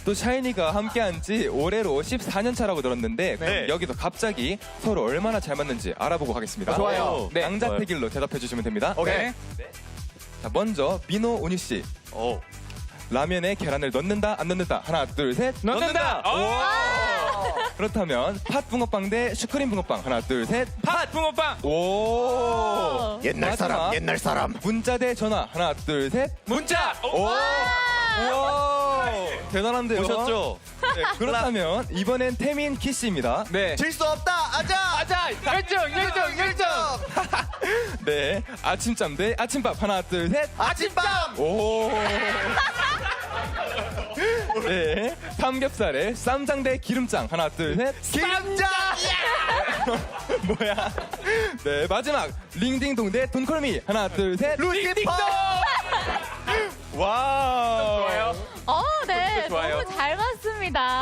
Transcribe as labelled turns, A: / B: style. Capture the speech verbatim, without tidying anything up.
A: 또 샤이니가 함께한 지 올해로 십사 년 차라고 들었는데
B: 네.
A: 여기서 갑자기 서로 얼마나 잘 맞는지 알아보고 가겠습니다.
B: 어, 좋아요.
A: 네.
B: 네.
A: 양자택일로 대답해 주시면 됩니다.
B: 오케이.
A: 자, 먼저 민호 운유 씨.
B: 오.
A: 라면에 계란을 넣는다 안 넣는다. 하나 둘 셋.
B: 넣는다.
A: 그렇다면 팥 붕어빵 대 슈크림 붕어빵. 하나 둘 셋.
B: 팥 붕어빵.
A: 오.
C: 옛날 사람,
A: 마지막
C: 옛날 사람.
A: 문자 대 전화. 하나 둘 셋.
B: 문자.
A: 오. 우와. 대단한데요.
B: 보셨죠?
A: 네, 그렇다면 이번엔 태민 키 씨입니다.
B: 네.
C: 질 수 없다. 아자.
B: 아자. 열정, 열정, 열정.
A: 네. 아침잠 대 아침밥. 하나 둘 셋.
C: 아침밤.
A: 오. 네. 삼겹살에 쌈장 대 기름장. 하나 둘 셋.
C: 김장.
A: 뭐야? 네. 마지막 링딩동 대 돈콜미. 하나 둘 셋.
C: 루시퍼.
A: 와우.
B: 좋아요.
D: 어, 네.
B: 좋아요.
D: 너무 잘 봤습니다.